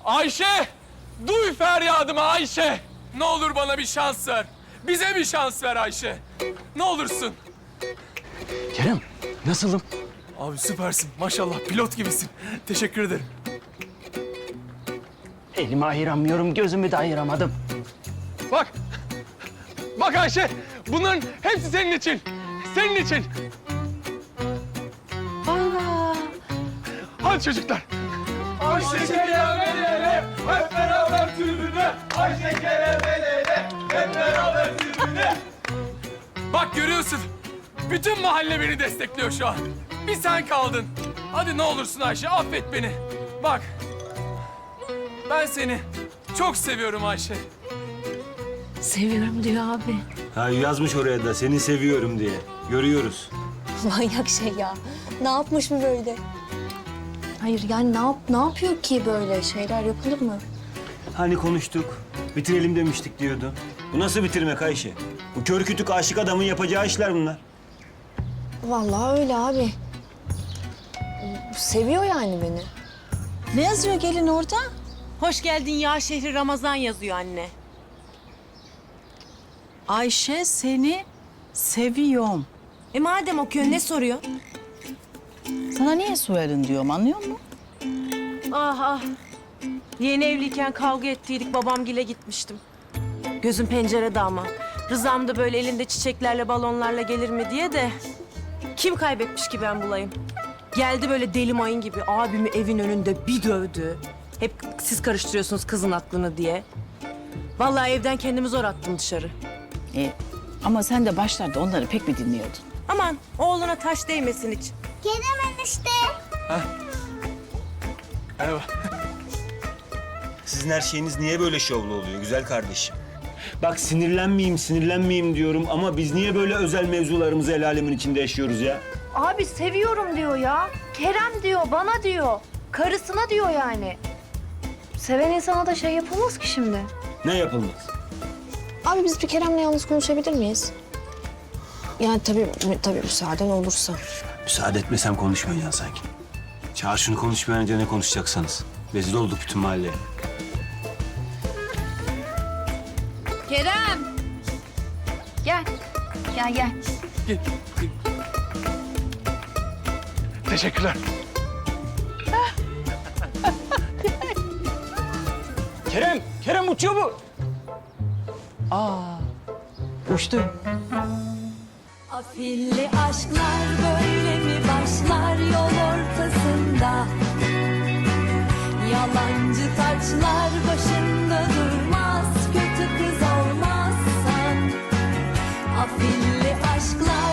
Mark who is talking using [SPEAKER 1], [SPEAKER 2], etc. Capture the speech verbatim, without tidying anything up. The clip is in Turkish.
[SPEAKER 1] Ayşe! Duy feryadımı Ayşe! Ne olur bana bir şans ver. Bize bir şans ver Ayşe. Ne olursun.
[SPEAKER 2] Kerem, nasılım?
[SPEAKER 1] Abi süpersin. Maşallah pilot gibisin. Teşekkür ederim.
[SPEAKER 2] Elimi ayıramıyorum, gözümü de ayıramadım.
[SPEAKER 1] Bak. Bak Ayşe. Bunların hepsi senin için. Senin için.
[SPEAKER 3] Aa,
[SPEAKER 1] Hadi çocuklar. Ayşe Kerem el ele, hep beraber tribüne. Ayşe Kerem el ele, hep beraber tribüne. Bak görüyorsun. Bütün mahalle beni destekliyor şu an. Bir sen kaldın. Hadi ne olursun Ayşe, affet beni. Bak. Ben seni çok seviyorum Ayşe.
[SPEAKER 3] seviyorum diyor abi.
[SPEAKER 4] Ha yazmış oraya da seni seviyorum diye. Görüyoruz.
[SPEAKER 5] Manyak şey ya. Ne yapmış mı böyle? Hayır yani ne yap ne yapıyor ki böyle şeyler yapılır mı?
[SPEAKER 4] Hani konuştuk, bitirelim demiştik diyordu. Bu nasıl bitirmek Ayşe? Bu kör kütük aşık adamın yapacağı işler bunlar.
[SPEAKER 5] Vallahi öyle abi. Seviyor yani beni.
[SPEAKER 3] Ne yazıyor gelin orada?
[SPEAKER 6] Hoş geldin ya şehri Ramazan yazıyor anne.
[SPEAKER 3] Ayşe seni seviyorum.
[SPEAKER 6] E madem okuyor ne soruyor?
[SPEAKER 3] Sana niye suerin diyorum anlıyor musun?
[SPEAKER 6] Ah ah. Yeni evliyken kavga ettiydik babamgile gitmiştim. Gözüm pencerede ama. Rızam da böyle elinde çiçeklerle balonlarla gelir mi diye de. Kim kaybetmiş ki ben bulayım? Geldi böyle deli mayın gibi abimi evin önünde bir dövdü. Hep siz karıştırıyorsunuz kızın aklını diye. Vallahi evden kendimi zor attım dışarı.
[SPEAKER 3] E, ama sen de başlarda onları pek mi dinliyordun?
[SPEAKER 6] Aman oğluna taş değmesin hiç.
[SPEAKER 5] Kerem enişte.
[SPEAKER 1] Merhaba.
[SPEAKER 4] Sizin her şeyiniz niye böyle şovlu oluyor güzel kardeşim? Bak sinirlenmeyeyim, sinirlenmeyeyim diyorum ama biz niye böyle özel mevzularımızı el alemin içinde yaşıyoruz ya?
[SPEAKER 5] Abi seviyorum diyor ya. Kerem diyor, bana diyor. Karısına diyor yani. Seven insana da şey yapılmaz ki şimdi.
[SPEAKER 4] Ne yapılmaz?
[SPEAKER 5] Abi biz bir Kerem'le yalnız konuşabilir miyiz? Yani tabii tabii müsaaden olursa.
[SPEAKER 4] Müsaade etmesem konuşmayacaksın sanki. Çağır şunu konuşmayan önce ne konuşacaksanız. Rezil olduk bütün mahalleye.
[SPEAKER 5] Kerem! Gel. Gel gel.
[SPEAKER 1] Gel, gel. Teşekkürler.
[SPEAKER 2] Kerem, Kerem uçuyor bu. Aa, uçtu.
[SPEAKER 7] Afilli aşklar böyle mi başlar yol ortasında? Yalancı taçlar başında durmaz, kötü kız olmazsan. Afilli aşklar